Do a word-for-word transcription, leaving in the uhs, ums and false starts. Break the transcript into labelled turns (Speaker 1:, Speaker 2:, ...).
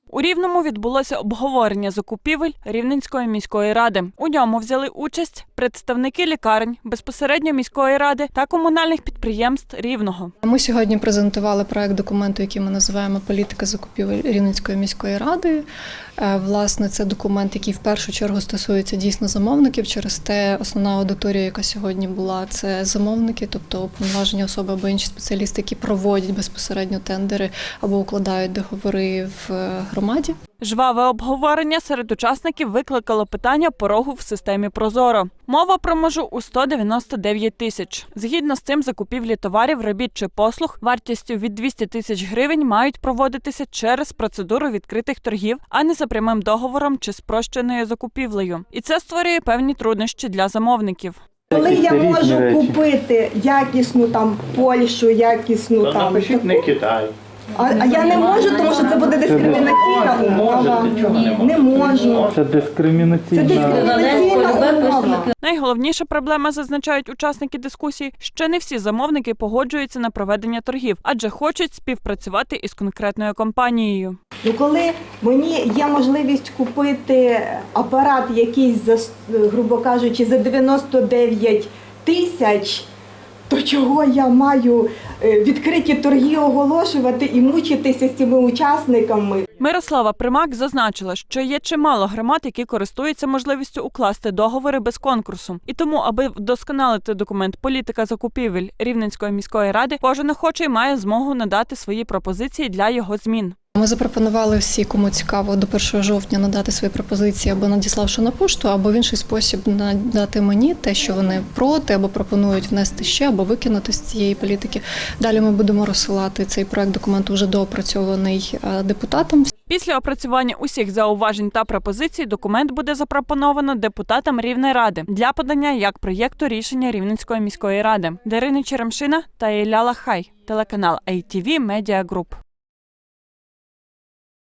Speaker 1: У Рівному відбулося обговорення закупівель Рівненської міської ради. У ньому взяли участь представники лікарень, безпосереднььо міської ради та комунальних підприємств Рівного.
Speaker 2: Ми сьогодні презентували проект документу, який ми називаємо «Політика закупівель Рівненської міської ради». Власне, це документ, який в першу чергу стосується дійсно замовників. Через те основна аудиторія, яка сьогодні була, це замовники, тобто уповноважені особи або інші спеціалісти, які проводять безпосередньо тендери або укладають договори в громаді.
Speaker 1: Жваве обговорення серед учасників викликало питання порогу в системі «Прозоро». Мова про межу у сто дев'яносто дев'ять тисяч. Згідно з цим, закупівлі товарів, робіт чи послуг вартістю від двісті тисяч гривень мають проводитися через процедуру відкритих торгів, а не за прямим договором чи спрощеною закупівлею. І це створює певні труднощі для замовників.
Speaker 3: Коли я можу купити якісну там Польщу, якісну там...
Speaker 4: Напишіть не Китай.
Speaker 3: А, а я не можу, тому що це буде дискримінаційна умова. Не можу.
Speaker 4: Це дискримінаційна.
Speaker 3: Це дискримінаційна умова.
Speaker 1: Найголовніша проблема, зазначають учасники дискусії, що не всі замовники погоджуються на проведення торгів, адже хочуть співпрацювати із конкретною компанією.
Speaker 3: Ну, коли мені є можливість купити апарат якийсь, за, грубо кажучи, за дев'яносто дев'ять тисяч, то чого я маю відкриті торги оголошувати і мучитися з цими учасниками?
Speaker 1: Мирослава Примак зазначила, що є чимало громад, які користуються можливістю укласти договори без конкурсу. І тому, аби вдосконалити документ «Політика закупівель Рівненської міської ради», кожен охочий має змогу надати свої пропозиції для його змін.
Speaker 2: Ми запропонували всі, кому цікаво, до першого жовтня надати свої пропозиції або надіславши на пошту, або в інший спосіб надати мені те, що вони проти, або пропонують внести ще, або викинути з цієї політики. Далі ми будемо розсилати цей проект документу вже доопрацьований депутатам.
Speaker 1: Після опрацювання усіх зауважень та пропозицій документ буде запропоновано депутатам Рівнеради для подання як проєкту рішення Рівненської міської ради. Дарина Черемшина та Ілля Лахай, телеканал ай ті ві Media Group.